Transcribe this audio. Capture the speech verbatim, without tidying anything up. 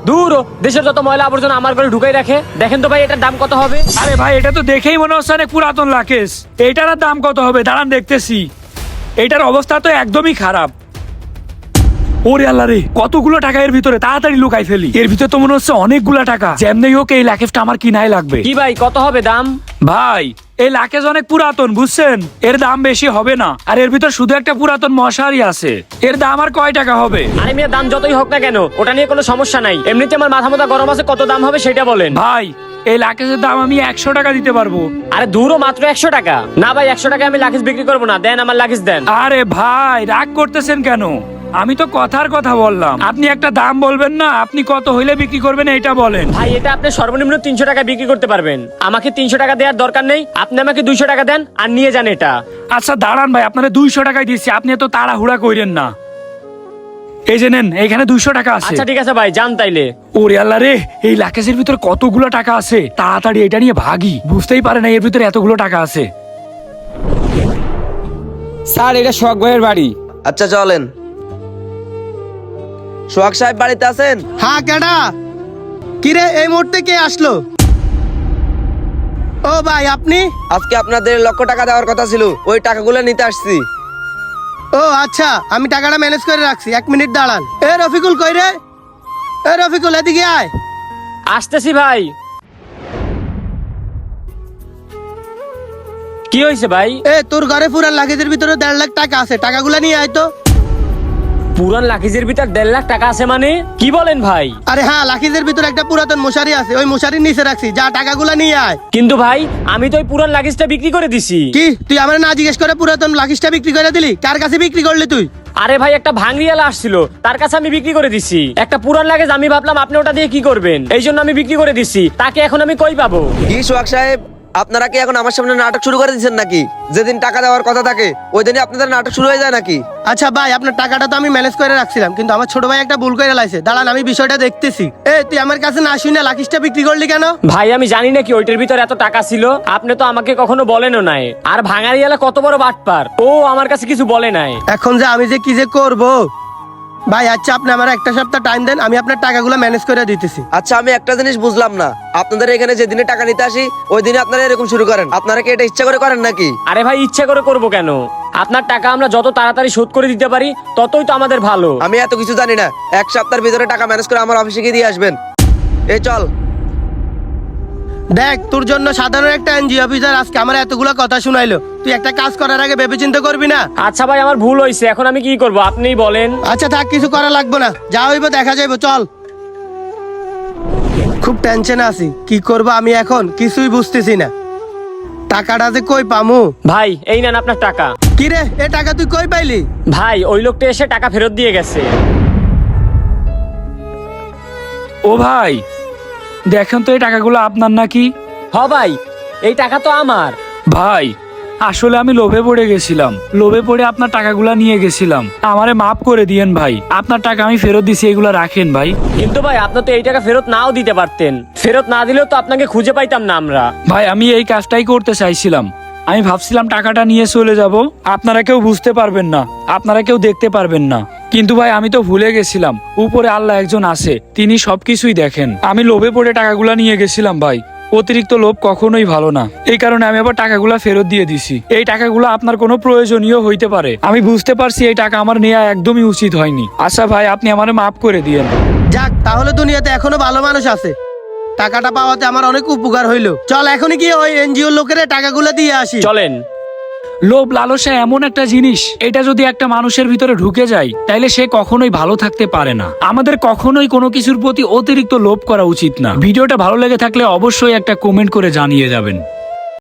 দূর ও, দেশের যত ময়লা আবর্জনা আমার ঘরে ঢুকাই রাখে। দেখেন তো ভাই এটার দাম কত হবে? আরে ভাই এটা তো দেখেই মনে হচ্ছে অনেক পুরাতন লাকেশ। এইটার আর দাম কত হবে দাঁড়ান দেখতেছি। এইটার অবস্থা তো একদমই খারাপ। ওরে আল্লাহ রে, কতগুলো টাকা এর ভিতরে, তাড়াতাড়ি লুকাই ফেলি। এর ভিতরে তো মনে হচ্ছে অনেকগুলা টাকা। যেমনি হোক এই লাকেশটা আমার কিনাই লাগবে। কি ভাই কত হবে দাম? ভাই এই লাকেজ অনেক পুরাতন বুঝছেন, এর দাম বেশি হবে না। আর এর ভিতর শুধু একটা পুরাতন মশারি আছে, এর দাম আর কয় টাকা হবে? আরে মিয়া দাম যতই হোক না কেন ওটা নিয়ে কোনো সমস্যা নাই। এমনিতে আমার মাথা মাথা গরম আছে, কত দাম হবে সেটা বলেন। ভাই এই লাকেজের দাম আমি একশো টাকা দিতে পারবো। আরে দূরও মাত্র একশো টাকা? না ভাই একশো টাকা আমি লাকিস বিক্রি করবো না, দেন আমার লাকিস দেন। আরে ভাই রাগ করতেছেন কেন? আমি তো কথার কথা বললাম, আপনি একটা দাম বলবেন না? আপনি কত হইলে বিক্রি করবেন এইটা বলেন। ভাই এটা আপনি সর্বনিম্ন তিনশো টাকা বিক্রি করতে পারবেন। আমাকে তিনশো টাকা দেওয়ার দরকার নেই, আপনি আমাকে দুইশো টাকা দেন আর নিয়ে যান এটা। আচ্ছা দাঁড়ান ভাই, আপনারা দুইশো টাকায় দিচ্ছি, আপনি এত তাড়াহুড়া কইরেন না। এই যে নেন, এখানে দুইশো টাকা আছে। আচ্ছা ঠিক আছে ভাই, যান তাইলে। ওরে আল্লাহ রে, এই লাকেজের ভিতরে কতগুলো টাকা আছে, তাড়াতাড়ি এটা নিয়ে ভাগি। বুঝতেই পারে না এর ভিতরে এতগুলো টাকা আছে। স্যার এটা শখ ভাইয়ের বাড়ি। আচ্ছা চলেন। সোহাগ সাহেব বাড়িতে আছেন? হ্যাঁ কেডা? কিরে এই মুহূর্তে কে আসলো? ও ভাই আপনি? আজকে আপনাদের লক্ষ টাকা দেওয়ার কথা ছিল, ওই টাকাগুলো নিতে আসছি। ও আচ্ছা, আমি টাকাটা ম্যানেজ করে রাখছি, এক মিনিট দাঁড়ান। এ রফিকুল কই রে? এ রফিকুল এদিকে আয়। আসতেছি ভাই। কি হয়েছে ভাই? এ তোর ঘরে পুরান লাগেজের ভিতরে দেড় লাখ টাকা আছে, টাকাগুলো নিয়ে আয় তো। পুরান লাকিজের ভিতর দেড় লাখ টাকা আছে মানে? কি বলেন ভাই? আরে হ্যাঁ, লাখিজের ভিতরে একটা পুরাতন মশারি আছে, ওই মশারির নিচে রাখছি, যা টাকাগুলো নিয়ে আয়। কিন্তু ভাই আমি তো ওই পুরান লাকিজটা বিক্রি করে দিছি। কি তুই আমার না জিজ্ঞেস করে পুরাতন লাখিজটা বিক্রি করে দিলি? কার কাছে বিক্রি করলি তুই? আরে ভাই একটা ভাঙড়িয়ালা আসছিল, তার কাছে আমি বিক্রি করে দিছি। একটা পুরান লাগেজ আমি ভাবলাম আপনি ওটা দিয়ে কি করবেন, এই জন্য আমি বিক্রি করে দিছি। তাকে এখন আমি কই পাবো? কি সোহাগ সাহেব, আপনারা কি এখন আমার সামনে নাটক শুরু করে দিচ্ছেন নাকি? যেদিন টাকা দেওয়ার কথা থাকে ওই দিনই আপনাদের নাটক শুরু হয়ে যায় নাকি? আচ্ছা ভাই, আপনার টাকাটা তো আমি ম্যানেজ করে রাখছিলাম, কিন্তু আমার ছোট ভাই একটা ভুল করে লাইছে। দাঁড়ান আমি বিষয়টা দেখতেছি। এ তুই আমার কাছে না শুনে লাকিজটা বিক্রি করলি কেন? ভাই আমি জানি না কি ওইটার ভিতর এত টাকা ছিল, আপনি তো আমাকে কখনো বলেনও নাই। আর ভাঙারিয়ালা কত বড় বাটপার, ও আমার কাছে কিছু বলে নাই। এখন যে আমি যে কি যে করবো ভাই। আচ্ছা আপনি আমার একটা সপ্তাহ টাইম দেন, আমি আপনার টাকাগুলো ম্যানেজ করে দিতেছি। আচ্ছা আমি একটা জিনিস বুঝলাম না, আপনাদের এখানে যেদিনে টাকা নিতে আসি ওই দিনে আপনারা এরকম শুরু করেন? আপনারা কি এটা ইচ্ছা করে করেন নাকি? আরে ভাই ইচ্ছা করে করবো কেন? আপনার টাকা আমরা যত তাড়াতাড়ি শোধ করে দিতে পারি ততই তো আমাদের ভালো। আমি এত কিছু জানি না, এক সপ্তাহের ভিতরে টাকা ম্যানেজ করে আমার অফিসে গিয়ে দিয়ে আসবেন। এই চল। দেখ তোর জন্য সাধারণ একটা এনজিও অফিসার আজকে আমার এতগুলো কথা শুনাইলো, তুই একটা কাজ করার আগে ভেবে চিন্তা করবি না? আচ্ছা ভাই আমার ভুল হয়েছে, এখন আমি কি করব আপনিই বলেন। আচ্ছা থাক, কিছু করা লাগবে না, যা হইব দেখা যাইব, চল। খুব টেনশনে আছি, কি করব আমি এখন কিছুই বুঝতেছি না। টাকাটা যে কই পামু? ভাই এই নেন আপনার টাকা। কি রে, এ টাকা তুই কই পাইলি? ভাই ওই লোকটা এসে টাকা ফেরত দিয়ে গেছে। ও ভাই দেখেন তো এই টাকাগুলো আপনার নাকি? হ ভাই এই টাকা তো আমার। ভাই আসলে আমি লোভে পড়ে গেছিলাম, লোভে পড়ে আপনার টাকাগুলা নিয়ে গেছিলাম, আমারে মাফ করে দিয়েন ভাই। আপনার টাকা আমি ফেরত দিছি, এগুলা রাখেন ভাই। কিন্তু ভাই আপনি তো এই টাকা ফেরত নাও দিতে পারতেন, ফেরত না দিলেও তো আপনাকে খুঁজে পাইতাম না আমরা। ভাই আমি এই কাজটাই করতে চাইছিলাম, আমি ভাবছিলাম টাকাটা নিয়ে চলে যাব, আপনারা কেউ বুঝতে পারবেন না, আপনারা কেউ দেখতে পারবেন না। কিন্তু ভাই আমি তো ভুলে গেছিলাম উপরে আল্লাহ একজন আছে, তিনি সবকিছুই দেখেন। আমি লোভে পড়ে টাকাগুলা নিয়ে গেছিলাম ভাই, অতিরিক্ত লোভ কখনোই ভালো না। এই কারণে আমি আবার টাকাগুলা ফেরত দিয়ে দিছি। এই টাকাগুলো আপনার কোনো প্রয়োজনীয় হইতে পারে, আমি বুঝতে পারছি এই টাকা আমার নেওয়া একদমই উচিত হয়নি। আচ্ছা ভাই আপনি আমারে মাফ করে দিয়েন। যাক, তাহলে দুনিয়াতে এখনো ভালো মানুষ আছে। টাকাটা পাওয়াতে আমার অনেক উপকার হইলো। চল এখনই গিয়ে ওই এনজিও লোকের টাকাগুলো দিয়ে আসি। চলেন। লোভ লালসা এমন একটা জিনিস, এটা যদি একটা মানুষের ভিতরে ঢুকে যায় তাইলে সে কখনোই ভালো থাকতে পারে না। আমাদের কখনোই কোনো কিছুর প্রতি অতিরিক্ত লোভ করা উচিত না। ভিডিওটা ভালো লেগে থাকলে অবশ্যই একটা কমেন্ট করে জানিয়ে যাবেন।